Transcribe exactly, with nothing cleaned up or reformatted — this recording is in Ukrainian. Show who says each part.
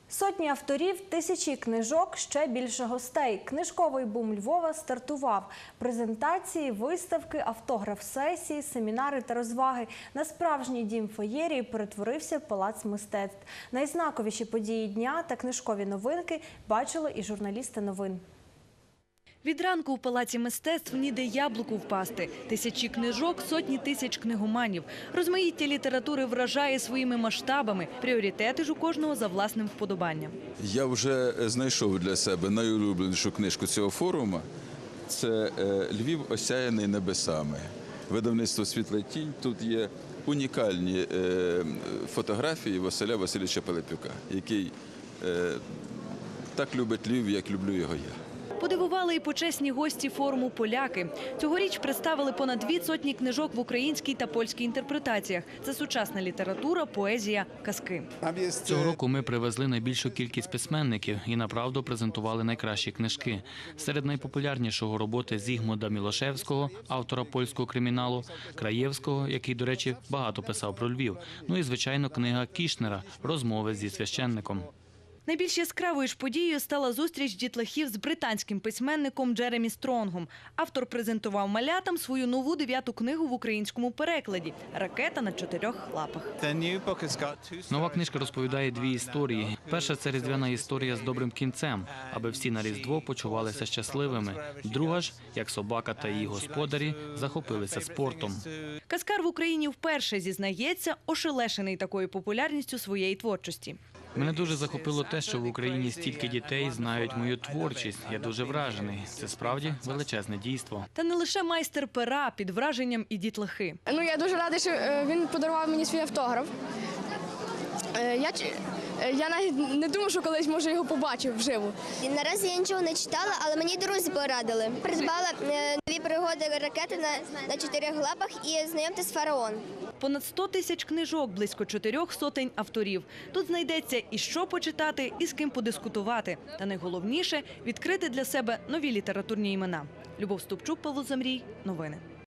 Speaker 1: Сотні авторів, тисячі книжок, ще більше гостей. Книжковий бум Львова стартував. Презентації, виставки, автограф-сесії, семінари та розваги. На справжній дім феєрії перетворився палац мистецтв. Найзнаковіші події дня та книжкові новинки бачили і журналісти новин.
Speaker 2: Від ранку у Палаці мистецтв ніде яблуку впасти. Тисячі книжок, сотні тисяч книгоманів. Розмаїття літератури вражає своїми масштабами. Пріоритети ж у кожного за власним вподобанням.
Speaker 3: Я вже знайшов для себе найулюбленішу книжку цього форуму. Це «Львів, осяяний небесами». Видавництво «Світла тінь». Тут є унікальні фотографії Василя Васильовича Пилипюка, який так любить Львів, як люблю його я.
Speaker 2: Подивували і почесні гості форуму поляки. Цьогоріч представили понад дві сотні книжок в українській та польській інтерпретаціях. Це сучасна література, поезія, казки.
Speaker 4: Цього року ми привезли найбільшу кількість письменників і направду презентували найкращі книжки. Серед найпопулярнішого роботи Зігмунда Мілошевського, автора польського криміналу, Краєвського, який, до речі, багато писав про Львів. Ну і, звичайно, книга Кішнера «Розмови зі священником».
Speaker 2: Найбільш яскравою ж подією стала зустріч дітлахів з британським письменником Джеремі Стронгом. Автор презентував малятам свою нову дев'яту книгу в українському перекладі «Ракета на чотирьох лапах».
Speaker 4: Нова книжка розповідає дві історії. Перша – це різдвяна історія з добрим кінцем, аби всі на Різдво почувалися щасливими. Друга ж, як собака та її господарі захопилися спортом.
Speaker 2: Казкар в Україні вперше зізнається, ошелешений такою популярністю своєї творчості.
Speaker 4: Мене дуже захопило те, що в Україні стільки дітей знають мою творчість. Я дуже вражений. Це справді величезне дійство.
Speaker 2: Та не лише майстер пера, під враженням і дітлахи.
Speaker 5: Ну, я дуже радий, що він подарував мені свій автограф. Я, я навіть не думав, що колись, може, його побачив вживу.
Speaker 6: Наразі я нічого не читала, але мені друзі порадили. Придбала нові пригоди ракети на, на чотирьох лапах і знайомтесь з фараон.
Speaker 2: Понад сто тисяч книжок, близько чотирьох сотень авторів. Тут знайдеться і що почитати, і з ким подискутувати. Та найголовніше – відкрити для себе нові літературні імена. Любов Ступчук, Павло Замрій. Новини.